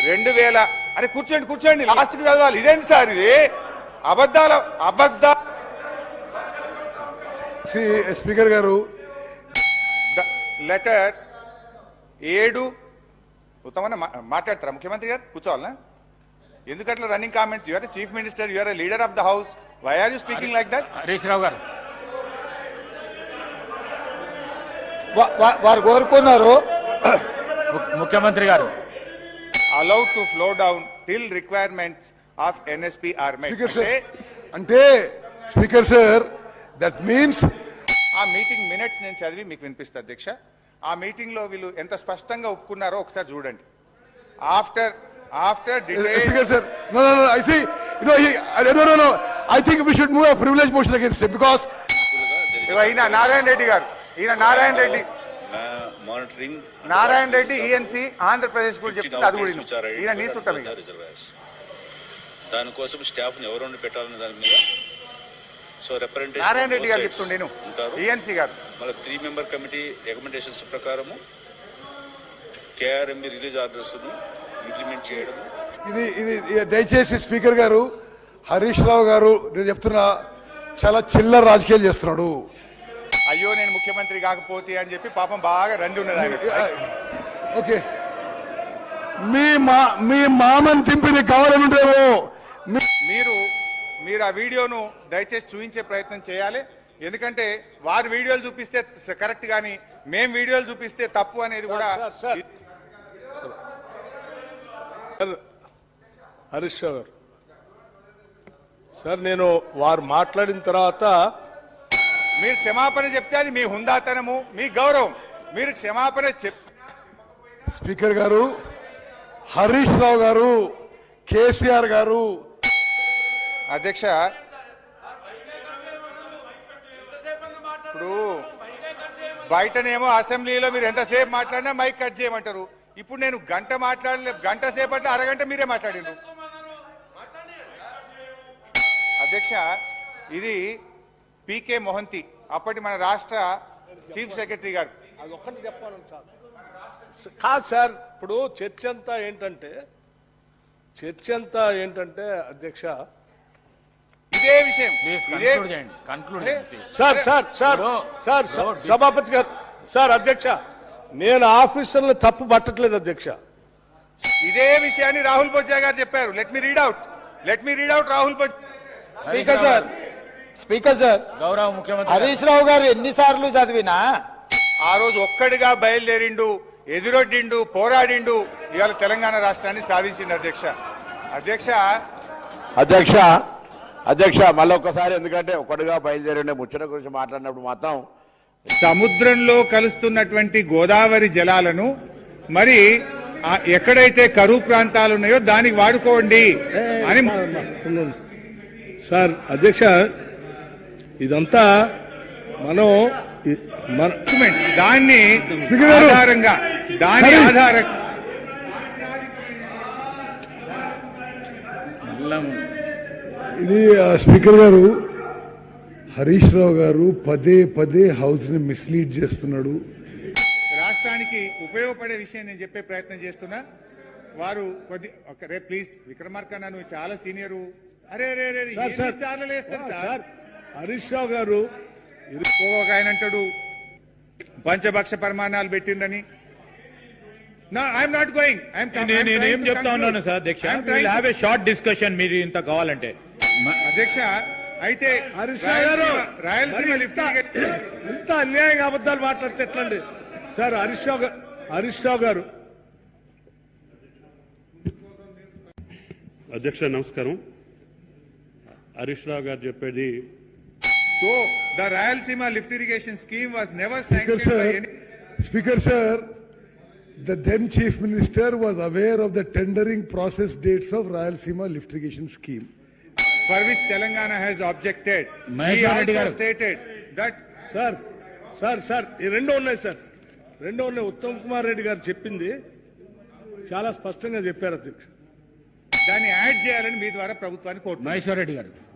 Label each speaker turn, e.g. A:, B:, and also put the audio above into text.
A: 2000 అరే కూర్చోండి కూర్చోండి లాస్ట్ కి చదవాలి. ఇదేంటి సార్ ఇది అబద్ధ
B: స్పీకర్ గారు
A: లెటర్ 7 ఉత్తమన్న మాట్లాడతారా ముఖ్యమంత్రి గారు? కూర్చోవాలనా? ఎందుకట్లా running comments? You are the chief minister, you are the leader of the house, why are you speaking like that?
C: Harish Rao garu
D: వారు కోరుకున్నారు
C: ముఖ్యమంత్రి గారు
A: allowed to flow down till requirements of NSP are met.
B: అంటే స్పీకర్ సార్ దట్ మీన్స్
A: ఆ meeting minutes నేను చదివి మీకు వినిపిస్తా అధ్యక్ష. ఆ మీటింగ్ లో వీళ్ళు ఎంత స్పష్టంగా ఒప్పుకున్నారో ఒకసారి చూడండి. After
B: speaker sir no I see no I think we should move a privilege motion against him because
A: ఈయన నారాయణ రెడ్డి గారు, నారాయణ రెడ్డి ఈఎన్సీ ఆంధ్రప్రదేశ్ గురించి చెప్తే అది కూడా ఈయన నీ చుట్టం.
E: దానికోసం స్టాఫ్ ని ఎవరు పెట్టాలనే దాని మీద సో రిప్రజెంటేషన్
A: నారాయణ రెడ్డి గారు చెప్తుండే ఈఎన్సీ గారు
E: మళ్ళీ 3 మెంబర్ కమిటీ రికమెండేషన్స్ ప్రకారము కేఆర్ఎంబి రిలీజ్ ఆర్డర్స్ ఇంప్లిమెంట్ చేయడం.
B: ఇది దయచేసి స్పీకర్ గారు హరీష్ రావు గారు నేను చెప్తున్నా చాలా చిల్లర రాజకీయాలు చేస్తున్నాడు.
A: అయ్యో నేను ముఖ్యమంత్రి కాకపోతే అని చెప్పి పాపం బాగా రండి ఉన్నది.
B: ఓకే మీ మామని తింపిది కావాలని ఉంటేమో
A: మీరు ఆ వీడియోను దయచేసి చూపించే ప్రయత్నం చేయాలి. ఎందుకంటే వారు వీడియోలు చూపిస్తే కరెక్ట్ కానీ మేం వీడియోలు చూపిస్తే తప్పు అనేది కూడా.
F: హరీష్ రావు గారు సార్ నేను వారు మాట్లాడిన తర్వాత
A: మీరు క్షమాపణ చెప్తే అది మీ హుందాతనము, మీ గౌరవం. మీరు క్షమాపణ
B: స్పీకర్ గారు హరీష్ రావు గారు కేసీఆర్ గారు
A: అధ్యక్ష ఇప్పుడు బయటనేమో అసెంబ్లీలో మీరు ఎంతసేపు మాట్లాడినా మైక్ కట్ చేయమంటారు. ఇప్పుడు నేను గంట సేపట్లో అరగంట మీరే మాట్లాడిండ్రు అధ్యక్ష. ఇది పీకే మొహంతి అప్పటి మన రాష్ట్ర చీఫ్ సెక్రటరీ గారు.
F: అది ఒక్కటి చెప్పాను సార్. కాదు సార్ ఇప్పుడు చర్చ అంతా అధ్యక్ష
A: ఇదే విషయం
F: సార్ సార్ సార్ సార్ సభాపతి గారు సార్ అధ్యక్ష నేను ఆఫీసర్లు తప్పు పట్టట్లేదు అధ్యక్ష.
A: ఇదే విషయాన్ని రాహుల్ బొజ్జా గారు చెప్పారు. Let me read out Rahul Bojja.
D: Speaker sir
C: గౌరవ ముఖ్యమంత్రి
D: హరీష్ రావు గారు ఎన్నిసార్లు చదివినా
A: ఆ రోజు ఒక్కడిగా బయలుదేరిండు, ఎదురొడ్డిండు, పోరాడిండు, ఇవాళ తెలంగాణ రాష్ట్రాన్ని సాధించిండు
G: అధ్యక్ష మళ్ళీ ఒక్కసారి ఎందుకంటే ఒక్కడిగా బయలుదేరి ముచ్చట గురించి మాట్లాడినప్పుడు మాత్రం
A: సముద్రంలో కలుస్తున్నటువంటి గోదావరి జలాలను మరి ఎక్కడైతే కరువు ప్రాంతాలు ఉన్నాయో దానికి వాడుకోండి అని
F: సార్ అధ్యక్ష ఇదంతా మనం
A: దాని ఆధారంగా
B: ఇది స్పీకర్ గారు హరీష్ రావు గారు పదే హౌస్ ని మిస్లీడ్ చేస్తున్నాడు.
A: రాష్ట్రానికి ఉపయోగపడే విషయం నేను చెప్పే ప్రయత్నం చేస్తున్నా. వారు ప్లీజ్ విక్రమార్క నువ్వు చాలా సీనియరు. అరే
F: హరీష్ రావు గారు
A: ఒక ఆయన అంటాడు పంచభక్ష పరిమాణాలు పెట్టిందని.
H: నేనేం చెప్తా ఉన్నాను సార్ అధ్యక్ష, హ్యావ్ ఏ షార్ట్ డిస్కషన్ మీరు ఇంత కావాలంటే.
A: అధ్యక్ష అయితే రాయలసీమ లిఫ్ట్
F: ఇంత అన్యాయంగా అబద్ధాలు మాట్లాడితే ఎట్లండి సార్? హరీష్ రావు గారు
I: అధ్యక్ష నమస్కారం. హరీష్ రావు గారు చెప్పేది
A: the Rayalaseema lift irrigation scheme was never sanctioned by any.
B: Speaker sir, the then chief minister was aware of the tendering process dates of Rayalaseema lift irrigation scheme,
A: for which Telangana has objected. He also stated that
F: sir ఈ రెండో ఉన్నాయి sir, రెండో ఉన్నాయి. ఉత్తమ్ కుమార్ రెడ్డి గారు చెప్పింది చాలా స్పష్టంగా చెప్పారు అధ్యక్ష.
A: దాన్ని యాడ్ చేయాలని మీ ద్వారా ప్రభుత్వాన్ని కోరుతున్నారు.
C: మహేశ్వర్ రెడ్డి గారు